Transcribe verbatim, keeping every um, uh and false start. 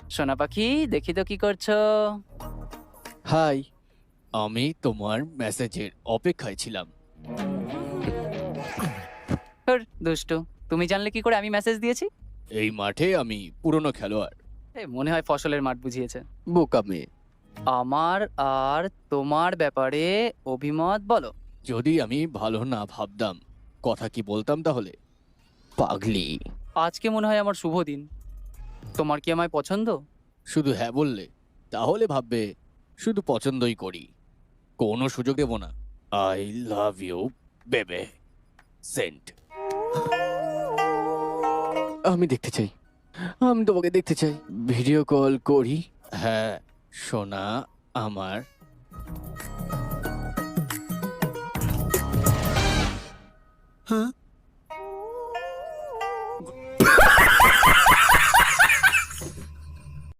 সোনা পাখি, দেখি তো কি করছো। হাই। আমি তোমার মেসেজের অপেক্ষায় ছিলাম। ধুর, দুষ্টু। তুমি জানলে কি করে আমি মেসেজ দিয়েছি? এই মাঠে আমি পুরনো খেলোয়াড়। এ, মনে হয় ফসলের মাঠ বুঝিয়েছে। বোকা মেয়ে। আমার আর তোমার ব্যাপারে অভিমত বলো। যদি আমি ভালো না ভাবতাম, কথা কি বলতাম তাহলে? পাগলি। আজকে মনে হয় আমার শুভ দিন। তোমার কি আমায় পছন্দ? শুধু হ্যাঁ বললে তাহলে ভাববে শুধু পছন্দই করি, কোনো সুযোগ দেব না। I love you babe. সেন্ট। আমি দেখতে চাই, আমি তোমাকে দেখতে চাই। ভিডিও কল করি? হ্যাঁ সোনা আমার। হ্যাঁ